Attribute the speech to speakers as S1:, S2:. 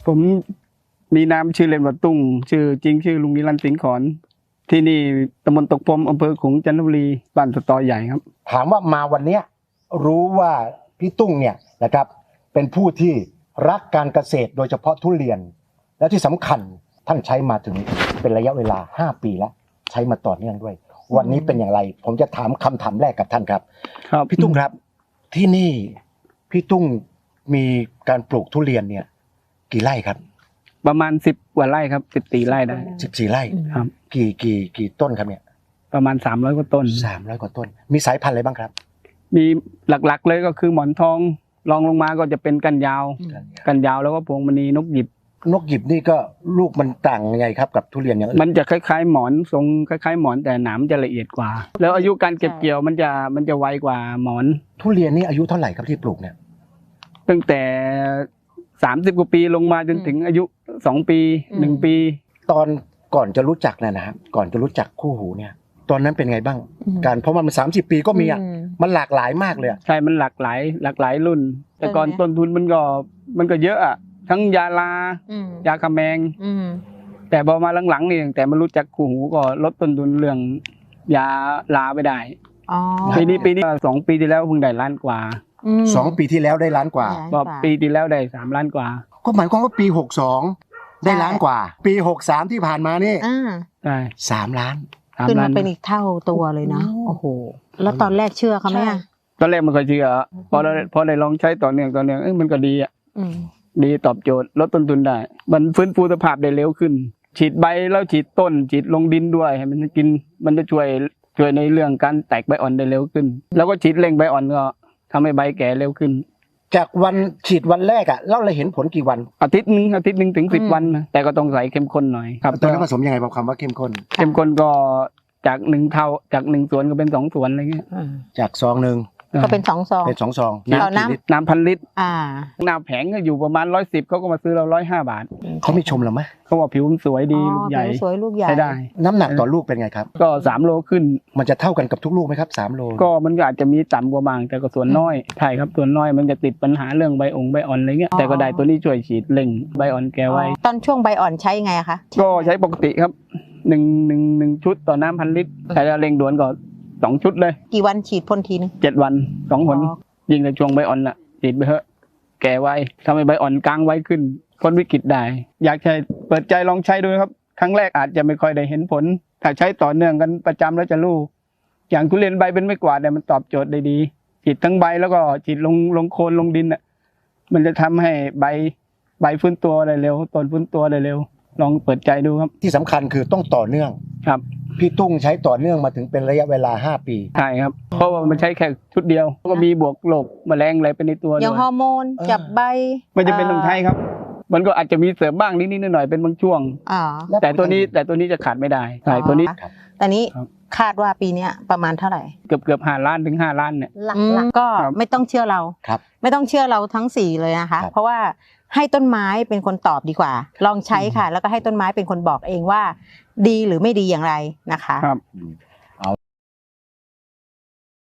S1: ผมมีนามชื่อเล่นว่าตุ้งชื่อจริงชื่อลุงนิรันดร์สิงห์ขอนที่นี่ตำบลตกพรมอำเภอขลุงจันทบุรีบ้านสตอใหญ่ครับ
S2: ถามว่ามาวันนี้รู้ว่าพี่ตุ้งเนี่ยนะครับเป็นผู้ที่รักการเกษตรโดยเฉพาะทุเรียนและที่สำคัญท่านใช้มาถึงเป็นระยะเวลา5 ปีแล้วใช้มาต่อเนื่องด้วยวันนี้เป็นอย่างไรผมจะถามคำถามแรกกับท่านครับพี่ตุ้งครับที่นี่พี่ตุ้งมีการปลูกทุเรียนเนี่ยกี่ไร่ครับ
S1: ประมาณ10 กว่าไร่ครับ14 ไร่ได้
S2: 14 ไร่
S1: ครับ
S2: กี่ต้นครับเนี่ย
S1: ประมาณ300 กว่าต้น
S2: 300 กว่าต้นมีสายพันธุ์อะไรบ้างครับ
S1: มีหลักๆเลยก็คือหมอนทองรองลงมาก็จะเป็นกันยาวแล้วก็พวงมณีนกหยิบ
S2: นี่ก็ลูกมันต่างยังไงครับกับทุเรียนอย่างอื่น
S1: มันจะคล้ายๆหมอนทรงคล้ายๆหมอนแต่หนามจะละเอียดกว่าแล้วอายุการเก็บเกี่ยวมันจะไวกว่าหมอน
S2: ทุเรียนนี่อายุเท่าไหร่ครับที่ปลูกเนี่ย
S1: ตั้งแต่30 กว่าปีลงมาจนถึงอายุ2 ปี1 ปี
S2: ตอนก่อนจะรู้จักนะครับก่อนจะรู้จักคู่หูเนี่ยตอนนั้นเป็นไงบ้างการเพราะมัน30 ปีก็มีมันหลากหลายมากเลย
S1: ใช่มันหลากหลายรุ่นแต่ก่อนต้นทุนมันก็เยอะอะทั้งยาลายาคาแมงแต่พอมาหลังๆนี่แต่มารู้จักคู่หูก็ลดต้นทุนเรื่องยาลาไปได้ปีนี้2 ปีที่แล้วเพิ่งได้1 ล้านกว่า
S2: 2 ปีที่แล้วได้1 ล้านกว่า
S1: ปีที่แล้วได้3 ล้านกว่า
S2: ก็หมายความว่าปี62ได้1 ล้านกว่าปี63ที่ผ่านมานี่
S1: ใช่
S2: 3 ล้าน
S3: ขึ้นมาเป็นอีกเท่าตัวเลยนะโอ้โหแล้วตอนแรกเชื่อเขาไหม
S1: ตอนแรกมันก็เชื่อพอได้ลองใช้ต่อเนื่องมันก็ดีอ่ะดีตอบโจทย์ลดต้นทุนได้มันฟื้นฟูสภาพได้เร็วขึ้นฉีดใบแล้วฉีดต้นฉีดลงดินด้วยให้มันกินมันจะช่วยในเรื่องการแตกใบอ่อนได้เร็วขึ้นแล้วก็ฉีดเร่งใบอ่อนก็ทำให้ใบแก่เร็วขึ้น
S2: จากวันฉีดวันแรกอ่ะเราเห็นผลกี่วัน
S1: อาทิตย์นึงถึง10 วันนะแต่ก็ต้องใส่เข้มข้นหน่อย
S2: ครับตอนนั้นผสมยังไงบอกคำว่าเข้มข้น
S1: ก็จาก1 เท่าจาก1 ส่วนก็เป็น2 ส่วนอะไรเงี้ย
S2: จากซองนึง
S3: ก็เป็น2 ซอง
S1: น้ำ1,000 ลิตรน้ำแผงก็อยู่ประมาณ110เขาก็มาซื้อเรา105 บาท
S2: เขาไม่ชมเราไหม
S1: เขาบอกผิวสวยดีลูกใหญ่
S3: สวยลูกใหญ่
S1: ได้
S2: น้ำหนักต่อลูกเป็นไงครับ
S1: ก็3 โลขึ้น
S2: มันจะเท่ากันกับทุกลูกไหมครับ3 โล
S1: ก็มันอาจจะมีต่ำกว่าบางแต่ก็ส่วนน้อยใช่ครับส่วนน้อยมันจะติดปัญหาเรื่องใบอ่อนอะไรเงี้ยแต่ก็ได้ตัวนี้ช่วยฉีดเร่งใบอ่อนแก่ไว้
S3: ตอนช่วงใบอ่อนใช้ไงคะ
S1: ก็ใช้ปกติครับ1 ชุดต่อน้ำ1,000 ลิตรใช้เร่งด่วนก็2 ชุดเลย
S3: กี่วันฉีดพ่นทีนึง
S1: 7 วัน2 หนยิ่งในช่วงใบอ่อนน่ะฉีดไปเถอะแก่ไวทำให้ใบอ่อนกลางไวขึ้นพ้นวิกฤตได้อยากใช้เปิดใจลองใช้ดูครับครั้งแรกอาจจะไม่ค่อยได้เห็นผลถ้าใช้ต่อเนื่องกันประจำแล้วจะรู้อย่างทุเรียนใบเป็นไม่กวาดเนี่ยมันตอบโจทย์ได้ดีฉีดทั้งใบแล้วก็ฉีดลงโคนลงดินน่ะมันจะทำให้ใบฟื้นตัวได้เร็วต้นฟื้นตัวได้เร็วลองเปิดใจดูครับ
S2: ที่สำคัญคือต้องต่อเนื่อง
S1: ครับ
S2: พี่ตุ้งใช้ต่อเนื่องมาถึงเป็นระยะเวลา5 ปี
S1: ใช่ครับเพราะว่ามันใช้แค่ชุดเดียวก็มีบวกโรคแมลงอะไรไปในตัวด้วย
S3: อย่างฮอร์โมนจับใบ
S1: มันจะเป็นต้องใช้ครับมันก็อาจจะมีเสริมบ้างนิดๆหน่อยๆเป็นบางช่วงแต่ตัวนี้จะขาดไม่ได้ใช่ตัวนี้
S3: แต่นี้คาดว่าปีนี้ประมาณเท่าไหร่
S1: เกือบ5 ล้านถึง5 ล้านเนี่ย
S3: หลักก็ไม่ต้องเชื่อเราไม่ต้องเชื่อเราทั้ง4เลยนะคะเพราะว่าให้ต้นไม้เป็นคนตอบดีกว่าลองใช้ค่ะแล้วก็ให้ต้นไม้เป็นคนบอกเองว่าดีหรือไม่ดีอย่างไรนะคะ